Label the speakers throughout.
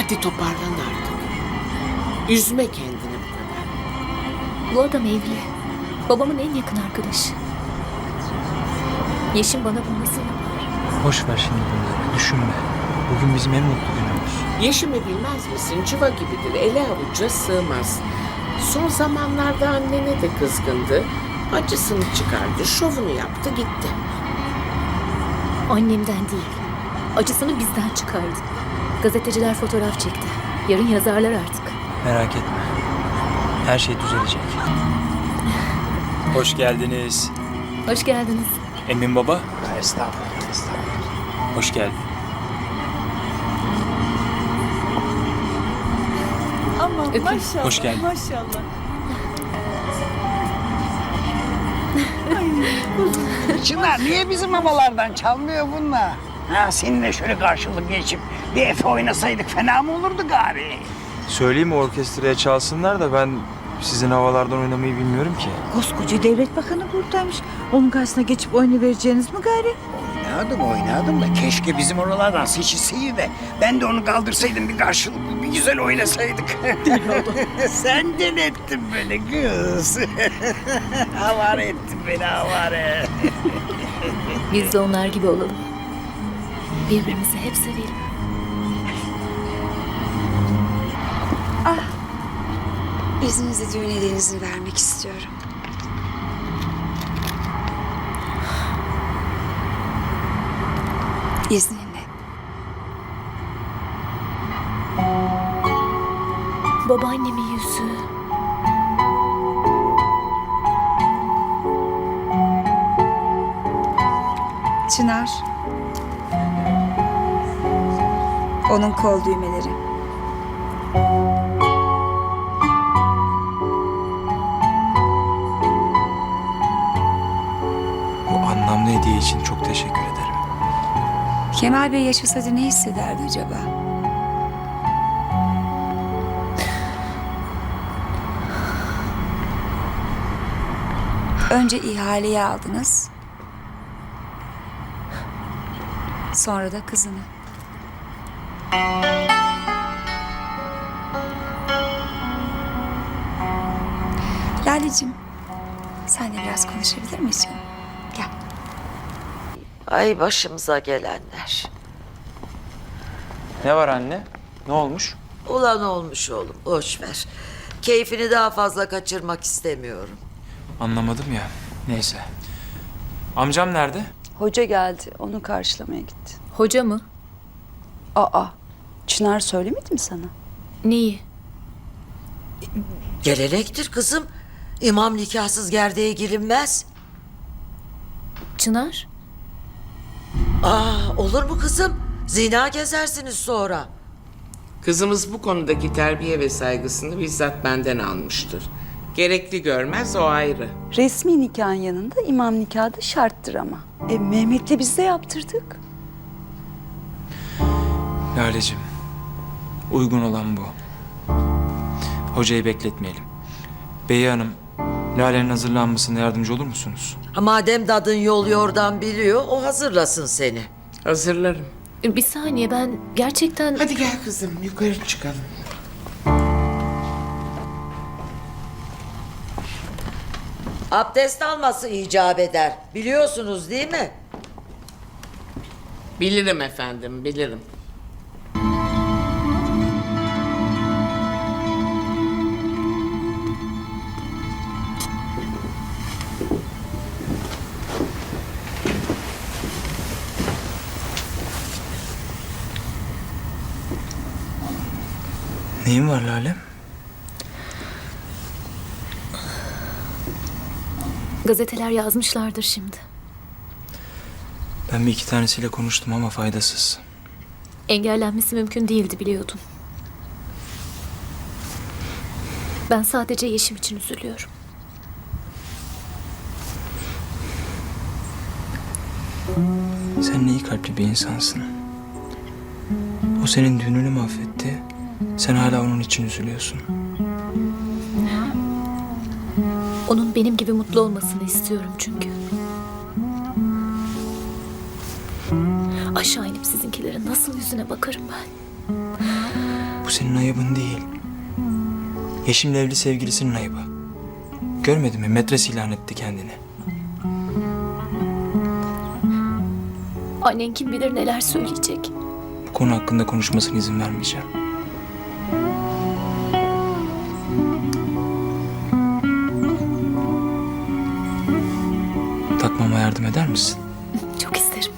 Speaker 1: Hadi toparlan artık. Üzme kendini bu kadar.
Speaker 2: Bu adam evli. Babamın en yakın arkadaşı. Yeşim bana bunu nasıl yapar?
Speaker 3: Boş ver şimdi bunları. Düşünme. Bugün bizim en mutlu günümüz.
Speaker 1: Yeşimi bilmez misin? Cıva gibidir. Ele avuca sığmaz. Son zamanlarda annene de kızgındı. Acısını çıkardı, şovunu yaptı, gitti.
Speaker 2: Annemden değil. Acısını bizden çıkardı. Gazeteciler fotoğraf çekti. Yarın yazarlar artık.
Speaker 3: Merak etme. Her şey düzelecek. Hoş geldiniz.
Speaker 2: Hoş geldiniz.
Speaker 3: Emin baba.
Speaker 4: Estağfurullah, estağfurullah.
Speaker 3: Hoş geldin.
Speaker 5: Aman
Speaker 2: Öpeyim.
Speaker 5: maşallah,
Speaker 3: Hoş geldin.
Speaker 5: maşallah.
Speaker 4: Çınar niye bizim havalardan çalmıyor bunlar? Ha, seninle şöyle karşılık geçip bir Efe oynasaydık fena mı olurdu gari?
Speaker 3: Söyleyeyim mi orkestraya çalsınlar da ben sizin havalardan oynamayı bilmiyorum ki.
Speaker 5: Koskoca devlet bakanı buradaymış. Onun karşısına geçip oynayıvereceğiniz mi gari?
Speaker 4: Oynadım da keşke bizim oralardan seçilseydi de ben de onu kaldırsaydım bir karşılıklı bir güzel oynasaydık. Sen deli ettin beni kız. Havare ettin beni havare.
Speaker 2: Biz de onlar gibi olalım. Birbirimizi hep sevelim.
Speaker 6: İzninizle düğün hediyenizi vermek istiyorum. İzninle.
Speaker 2: Babaannemin yüzü.
Speaker 6: Çınar. Onun kol düğmeleri.
Speaker 3: Bu anlamlı hediye için çok teşekkür ederim.
Speaker 6: Kemal Bey yaşasaydı ne hissederdi acaba? Önce ihaleyi aldınız. Sonra da kızını. Lale'cim, senle biraz konuşabilir miyiz canım? Gel.
Speaker 7: Ay başımıza gelenler.
Speaker 3: Ne var anne? Ne olmuş?
Speaker 7: Ulan olmuş oğlum, boş ver. Keyfini daha fazla kaçırmak istemiyorum.
Speaker 3: Anlamadım ya. Neyse. Amcam nerede?
Speaker 8: Hoca geldi. Onu karşılamaya gitti.
Speaker 2: Hoca mı?
Speaker 8: Aa, Çınar söylemedi mi sana?
Speaker 2: Neyi?
Speaker 7: Gelenektir kızım. İmam nikahsız gerdeğe girilmez.
Speaker 2: Çınar?
Speaker 7: Olur mu kızım? Zina gezersiniz sonra.
Speaker 1: Kızımız bu konudaki terbiye ve saygısını bizzat benden almıştır. Gerekli görmez, o ayrı.
Speaker 8: Resmi nikahın yanında imam nikahı da şarttır ama. Mehmet'le biz de yaptırdık.
Speaker 3: Lale'cim. Uygun olan bu. Hocayı bekletmeyelim. Bey Hanım, Lale'nin hazırlanmasına yardımcı olur musunuz?
Speaker 7: Madem dadın yol yordan biliyor, o hazırlasın seni.
Speaker 1: Hazırlarım.
Speaker 2: Bir saniye, ben gerçekten...
Speaker 1: Hadi gel kızım, yukarı çıkalım.
Speaker 7: Abdest alması icap eder. Biliyorsunuz değil mi?
Speaker 1: Bilirim efendim, bilirim.
Speaker 3: Neyin var Lale?
Speaker 2: Gazeteler yazmışlardır şimdi.
Speaker 3: Ben bir iki tanesiyle konuştum ama faydasız.
Speaker 2: Engellenmesi mümkün değildi, biliyordum. Ben sadece Yeşim için üzülüyorum.
Speaker 3: Sen ne iyi kalpli bir insansın. O senin düğününü mahvetti. Sen hala onun için üzülüyorsun.
Speaker 2: Onun benim gibi mutlu olmasını istiyorum çünkü. Aşağı inip sizinkilerin nasıl yüzüne bakarım ben.
Speaker 3: Bu Bu senin ayıbın değil. Yeşim'le evli sevgilisinin ayıbı. Görmedin mi? Metres ilan etti kendini.
Speaker 2: Annen kim bilir neler söyleyecek.
Speaker 3: Bu konu hakkında konuşmasına izin vermeyeceğim. Takmama yardım eder misin?
Speaker 2: Çok isterim.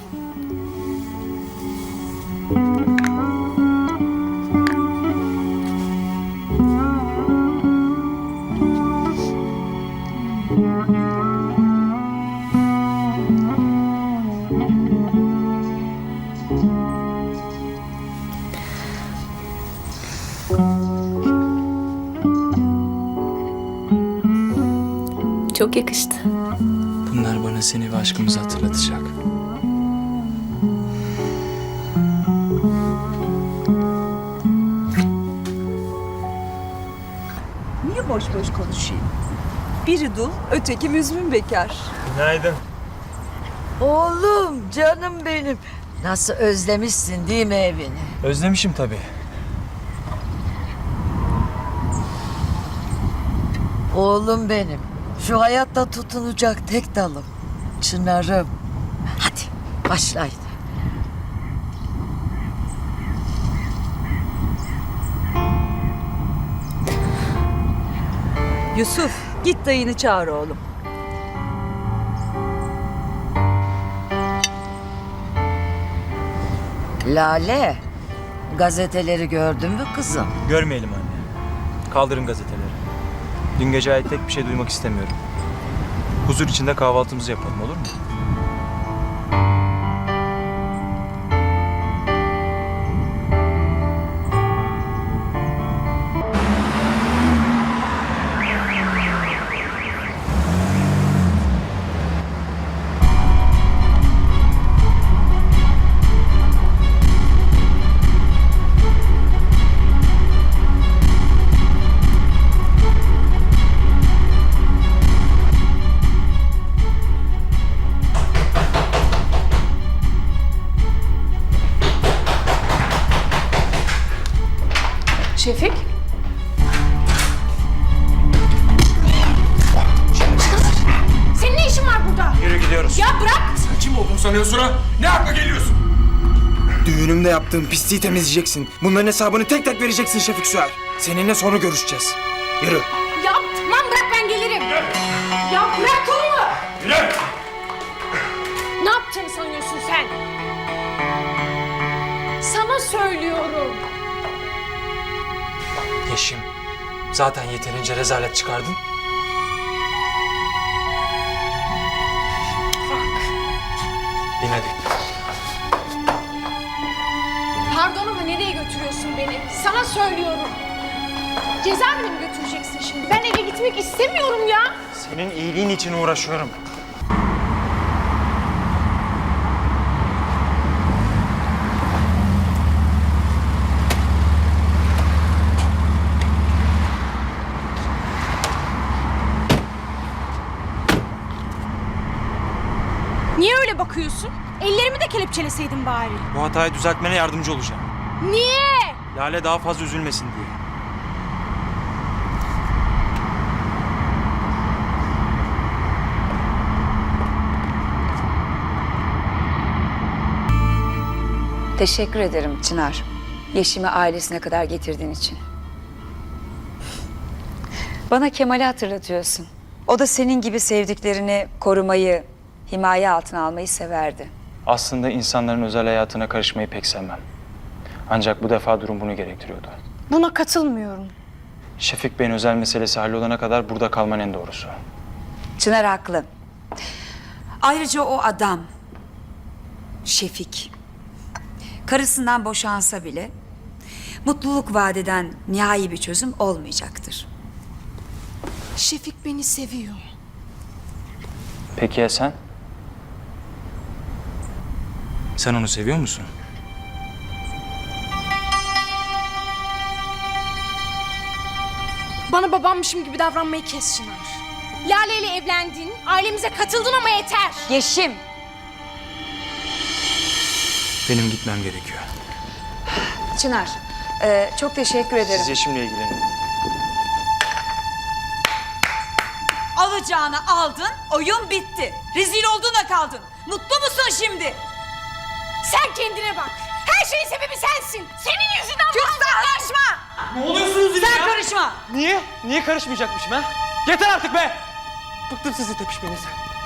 Speaker 2: Çok yakıştı.
Speaker 3: Bunlar bana seni ve aşkımızı hatırlatacak.
Speaker 8: Niye boş boş konuşayım? Biri dul, öteki müzmin bekar.
Speaker 3: Günaydın.
Speaker 7: Oğlum, canım benim. Nasıl özlemişsin değil mi evini?
Speaker 3: Özlemişim tabii.
Speaker 7: Oğlum benim. Şu hayatta tutunacak tek dalım. Çınarım. Hadi başlayın.
Speaker 8: Yusuf, git dayını çağır oğlum.
Speaker 7: Lale, gazeteleri gördün mü kızım?
Speaker 3: Görmeyelim anne. Kaldırın gazeteleri. Dün gece ait tek bir şey duymak istemiyorum. Huzur içinde kahvaltımızı yapalım, olur mu?
Speaker 2: Şefik?
Speaker 9: Senin ne işin var burada?
Speaker 3: Yürü gidiyoruz.
Speaker 9: Ya bırak!
Speaker 10: Sen kim olduğunu sanıyorsun ha? Ne hakla geliyorsun?
Speaker 3: Düğünümde yaptığın pisliği temizleyeceksin. Bunların hesabını tek tek vereceksin Şefik Süer. Seninle sonra görüşeceğiz. Yürü.
Speaker 9: Ya tamam bırak ben gelirim. Ya bırak kolumu!
Speaker 10: Yürü!
Speaker 9: Ne yaptığını sanıyorsun sen? Sana söylüyorum.
Speaker 3: Yeşim, zaten yeterince rezalet çıkardın. Bin hadi.
Speaker 9: Pardon ama nereye götürüyorsun beni? Sana söylüyorum. Cezaevine mi götüreceksin şimdi? Ben eve gitmek istemiyorum ya.
Speaker 3: Senin iyiliğin için uğraşıyorum.
Speaker 9: Niye öyle bakıyorsun? Ellerimi de kelepçeleseydin bari.
Speaker 3: Bu hatayı düzeltmene yardımcı olacağım.
Speaker 9: Niye?
Speaker 3: Lale daha fazla üzülmesin diye.
Speaker 6: Teşekkür ederim Çınar. Yeşim'i ailesine kadar getirdiğin için. Bana Kemal'i hatırlatıyorsun. O da senin gibi sevdiklerini korumayı, himaye altına almayı severdi.
Speaker 3: Aslında insanların özel hayatına karışmayı pek sevmem. Ancak bu defa durum bunu gerektiriyordu.
Speaker 9: Buna katılmıyorum.
Speaker 3: Şefik Bey'in özel meselesi hallolana kadar burada kalman en doğrusu.
Speaker 6: Çınar haklı. Ayrıca o adam, Şefik, karısından boşansa bile mutluluk vadeden nihai bir çözüm olmayacaktır.
Speaker 9: Şefik beni seviyor.
Speaker 3: Peki ya sen? Sen onu seviyor musun?
Speaker 9: Bana babammışım gibi davranmayı kes Çınar. Lale ile evlendin, ailemize katıldın ama yeter.
Speaker 6: Yeşim,
Speaker 3: Benim gitmem gerekiyor.
Speaker 6: Çınar, Çok teşekkür ederim.
Speaker 3: Siz Yeşim'le ilgilenin.
Speaker 8: Alacağını aldın, oyun bitti. Rezil olduğuna kaldın. Mutlu musun şimdi?
Speaker 9: Sen kendine bak. Her şeyin sebebi sensin. Senin yüzünden
Speaker 8: Karışma!
Speaker 10: Ne oluyorsunuz yine
Speaker 8: Sen
Speaker 10: ya?
Speaker 8: karışma!
Speaker 10: Niye? Niye karışmayacakmışım ha? Yeter artık be! Bıktım sizi tepişmenize.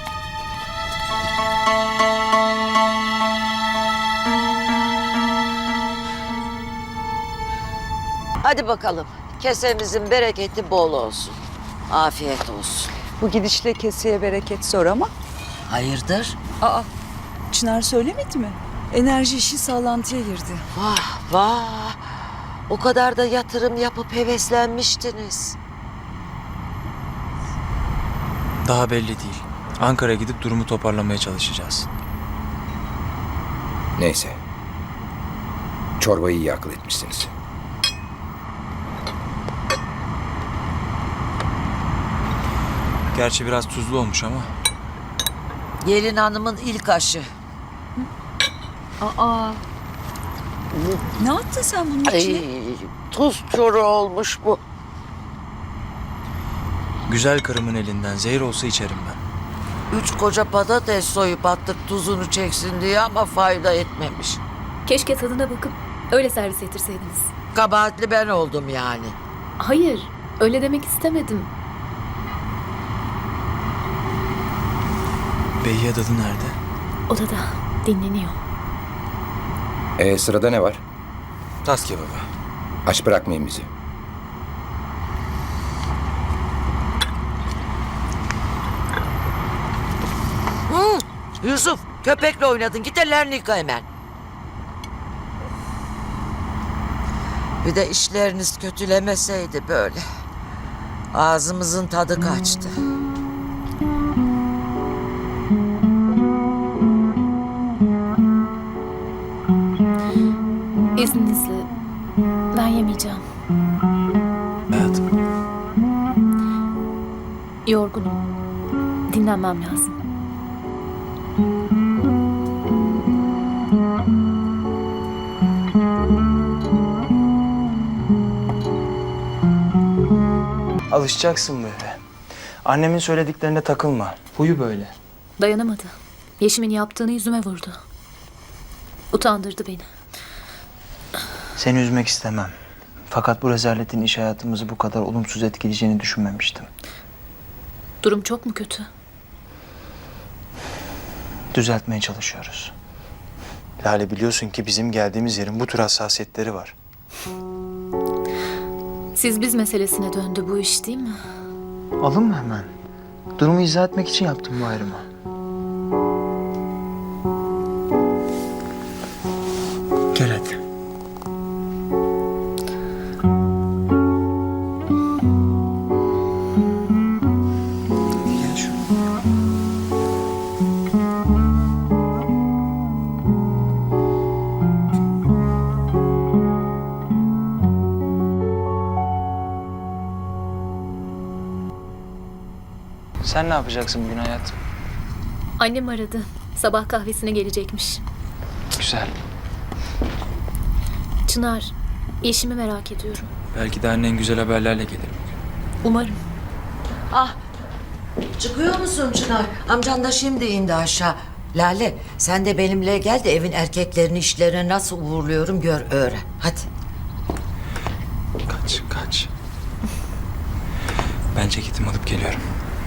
Speaker 7: Hadi bakalım. Kesemizin bereketi bol olsun. Afiyet olsun.
Speaker 8: Bu gidişle keseye bereket zor ama.
Speaker 7: Hayırdır?
Speaker 8: Aa, Çınar söylemedi mi? Enerji işi sağlantıya girdi.
Speaker 7: Vah vah. O kadar da yatırım yapıp heveslenmiştiniz.
Speaker 3: Daha belli değil. Ankara'ya gidip durumu toparlamaya çalışacağız.
Speaker 11: Neyse. Çorbayı iyi akıl etmişsiniz.
Speaker 3: Gerçi biraz tuzlu olmuş ama.
Speaker 7: Gelin hanımın ilk aşı.
Speaker 8: Ne yaptın sen bunun için?
Speaker 7: Ay, tuz çoru olmuş bu.
Speaker 3: Güzel karımın elinden zehir olsa içerim ben.
Speaker 7: 3 koca patates soyup attık tuzunu çeksin diye ama fayda etmemiş.
Speaker 2: Keşke tadına bakıp öyle servis ettirseydiniz.
Speaker 7: Kabahatli ben oldum yani.
Speaker 2: Hayır, öyle demek istemedim.
Speaker 3: Beyye dadı nerede?
Speaker 2: Odada dinleniyor.
Speaker 11: Sırada ne var?
Speaker 3: Tas kebabı.
Speaker 11: Aç bırakmayın bizi.
Speaker 7: Yusuf köpekle oynadın git ellerini yıka hemen. Bir de işleriniz kötülemeseydi böyle. Ağzımızın tadı kaçtı.
Speaker 2: İzninizle ben yemeyeceğim.
Speaker 3: Hayatım.
Speaker 2: Yorgunum. Dinlenmem lazım.
Speaker 3: Alışacaksın böyle. Annemin söylediklerine takılma. Huyu böyle.
Speaker 2: Dayanamadı. Yeşim'in yaptığını yüzüme vurdu. Utandırdı beni.
Speaker 3: Seni üzmek istemem. Fakat bu rezaletin iş hayatımızı bu kadar olumsuz etkileyeceğini düşünmemiştim.
Speaker 2: Durum çok mu kötü?
Speaker 3: Düzeltmeye çalışıyoruz. Lale biliyorsun ki bizim geldiğimiz yerin bu tür hassasiyetleri var.
Speaker 2: Siz biz meselesine döndü bu iş değil mi?
Speaker 3: Alınma hemen. Durumu izah etmek için yaptım bu ayrımı. Gel hadi. Gel şuraya. Sen ne yapacaksın bugün hayatım?
Speaker 2: Annem aradı. Sabah kahvesine gelecekmiş.
Speaker 3: Güzel.
Speaker 2: Çınar, Yeşim'i merak ediyorum.
Speaker 3: Belki de annen güzel haberlerle gelir bugün.
Speaker 2: Umarım.
Speaker 7: Çıkıyor musun Çınar? Amcan da şimdi indi aşağı. Lale sen de benimle gel de evin erkeklerini işlerine nasıl uğurluyorum gör öğren. Hadi.
Speaker 3: Kaç. Ben ceketimi alıp geliyorum.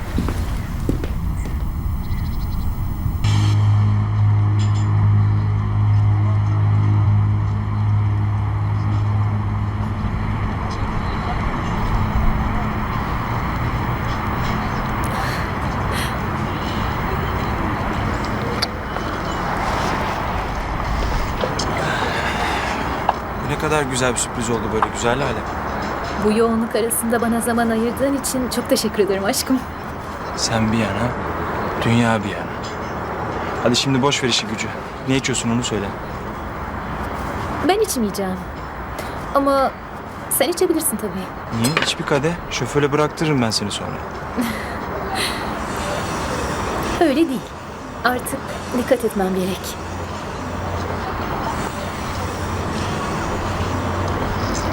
Speaker 3: Bu ne kadar güzel bir sürpriz oldu böyle güzel Lale.
Speaker 2: Bu yoğunluk arasında bana zaman ayırdığın için çok teşekkür ederim aşkım.
Speaker 3: Sen bir yana, dünya bir yana. Hadi şimdi boş ver işi gücü. Ne içiyorsun onu söyle.
Speaker 2: Ben içmeyeceğim. Ama sen içebilirsin tabii.
Speaker 3: Niye? İç bir kadeh. Şoföre bıraktırırım ben seni sonra.
Speaker 2: Öyle değil. Artık dikkat etmem gerek.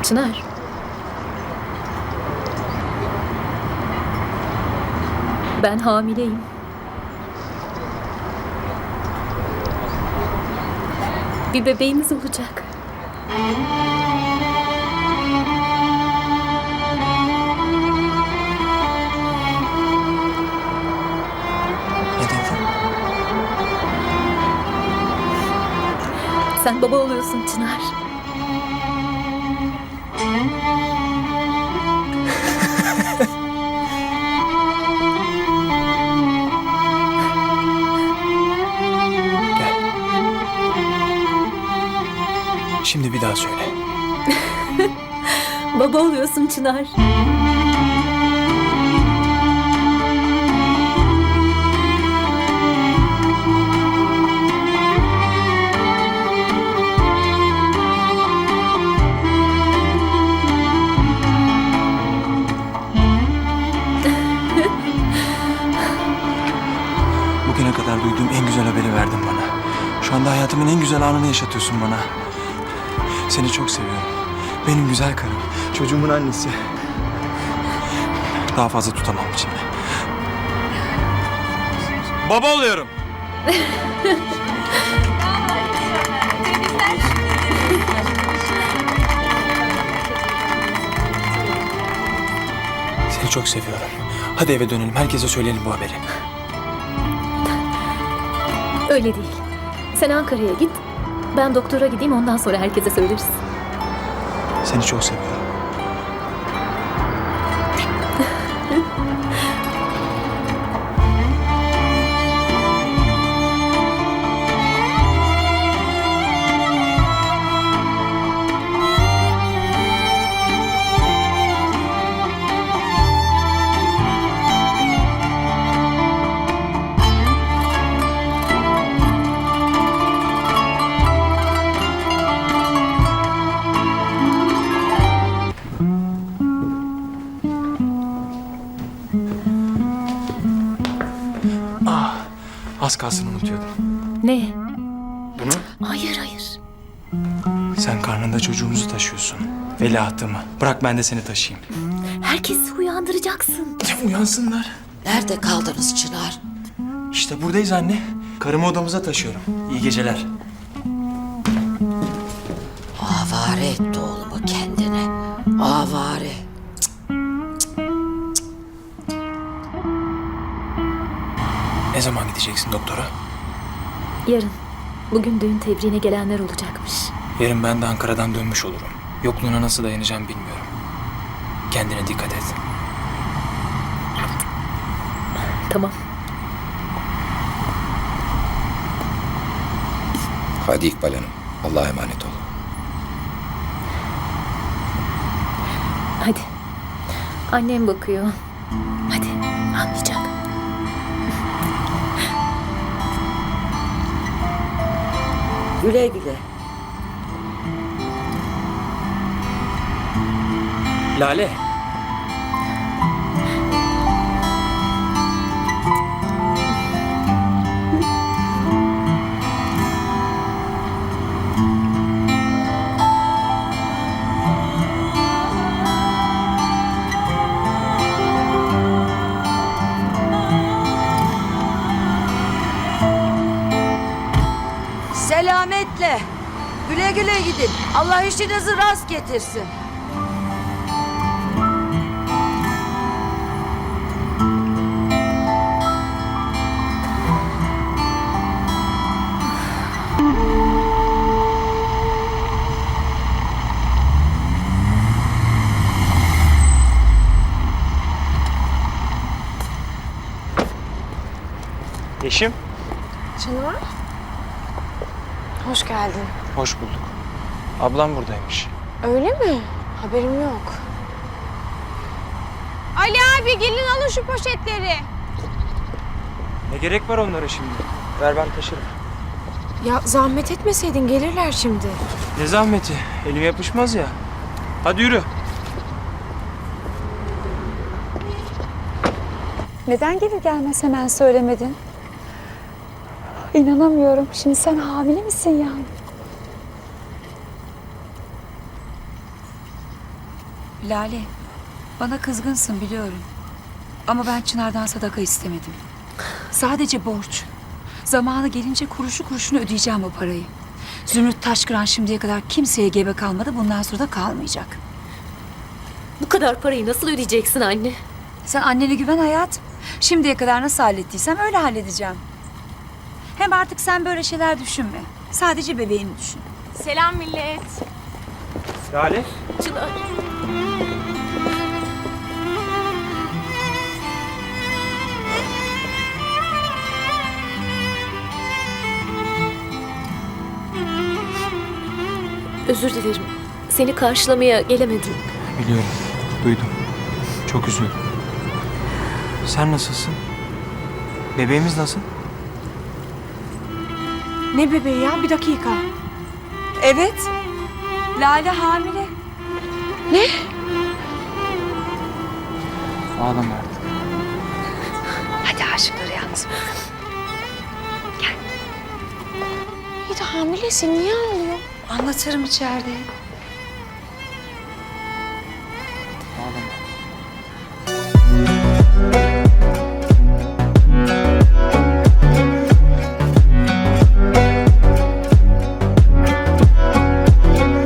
Speaker 2: Çınar. Ben hamileyim. Bir bebeğimiz olacak.
Speaker 3: Ne dedin?
Speaker 2: Sen baba oluyorsun Çınar.
Speaker 3: Gel. Şimdi bir daha söyle.
Speaker 2: Baba oluyorsun Çınar.
Speaker 3: Bugüne kadar duyduğum en güzel haberi verdin bana. Şu anda hayatımın en güzel anını yaşatıyorsun bana. Seni çok seviyorum. Benim güzel karım. Çocuğumun annesi. Daha fazla tutamam içimde. Baba oluyorum. Seni çok seviyorum. Hadi eve dönelim. Herkese söyleyelim bu haberi.
Speaker 2: Öyle değil. Sen Ankara'ya git. Ben doktora gideyim, ondan sonra herkese söyleriz.
Speaker 3: Seni çok seviyorum. Az kalsın unutuyordum.
Speaker 2: Ne?
Speaker 3: Bunu?
Speaker 2: Hayır, hayır.
Speaker 3: Sen karnında çocuğumuzu taşıyorsun. Veliahtımı. Bırak ben de seni taşıyayım.
Speaker 2: Herkesi uyandıracaksın.
Speaker 3: Uyansınlar.
Speaker 7: Nerede kaldınız Çınar?
Speaker 3: İşte buradayız anne. Karımı odamıza taşıyorum. İyi geceler.
Speaker 7: Avare etti oğlumu kendine. Avare.
Speaker 3: Ne zaman gideceksin doktora?
Speaker 2: Yarın. Bugün düğün tebriğine gelenler olacakmış.
Speaker 3: Yarın ben de Ankara'dan dönmüş olurum. Yokluğuna nasıl dayanacağım bilmiyorum. Kendine dikkat et.
Speaker 2: Tamam.
Speaker 11: Hadi İkbal Hanım. Allah'a emanet ol.
Speaker 2: Hadi. Annem bakıyor. Hadi. Anlayacak.
Speaker 7: Güle güle.
Speaker 3: Lale.
Speaker 7: Selametle. Güle güle gidin. Allah işinizi rast getirsin.
Speaker 3: Yeşim.
Speaker 9: Çınar. Hoş geldin.
Speaker 3: Hoş bulduk. Ablam buradaymış.
Speaker 9: Öyle mi? Haberim yok. Ali abi gelin alın şu poşetleri.
Speaker 3: Ne gerek var onlara şimdi? Ver ben taşırım.
Speaker 9: Ya zahmet etmeseydin gelirler şimdi.
Speaker 3: Ne zahmeti? Elim yapışmaz ya. Hadi yürü.
Speaker 8: Neden gelir gelmez hemen söylemedin? İnanamıyorum. Şimdi sen hamile misin yani?
Speaker 6: Lale, bana kızgınsın biliyorum. Ama ben Çınar'dan sadaka istemedim. Sadece borç. Zamanı gelince kuruşu kuruşunu ödeyeceğim o parayı. Zümrüt Taşkıran şimdiye kadar kimseye gebe kalmadı. Bundan sonra da kalmayacak.
Speaker 2: Bu kadar parayı nasıl ödeyeceksin anne?
Speaker 6: Sen annene güven hayatım. Şimdiye kadar nasıl hallettiysem öyle halledeceğim. Hem artık sen böyle şeyler düşünme. Sadece bebeğini düşün.
Speaker 9: Selam millet.
Speaker 10: Lale.
Speaker 2: Çınar. Özür dilerim. Seni karşılamaya gelemedim.
Speaker 3: Biliyorum. Duydum. Çok üzüldüm. Sen nasılsın? Bebeğimiz nasıl?
Speaker 9: Ne bebeği ya? Bir dakika.
Speaker 6: Evet. Lale hamile.
Speaker 3: Ağlama artık.
Speaker 6: Hadi aşıkları yalnız bırak.
Speaker 9: İyi de hamilesin. Niye ağlıyor?
Speaker 6: Anlatırım içeride.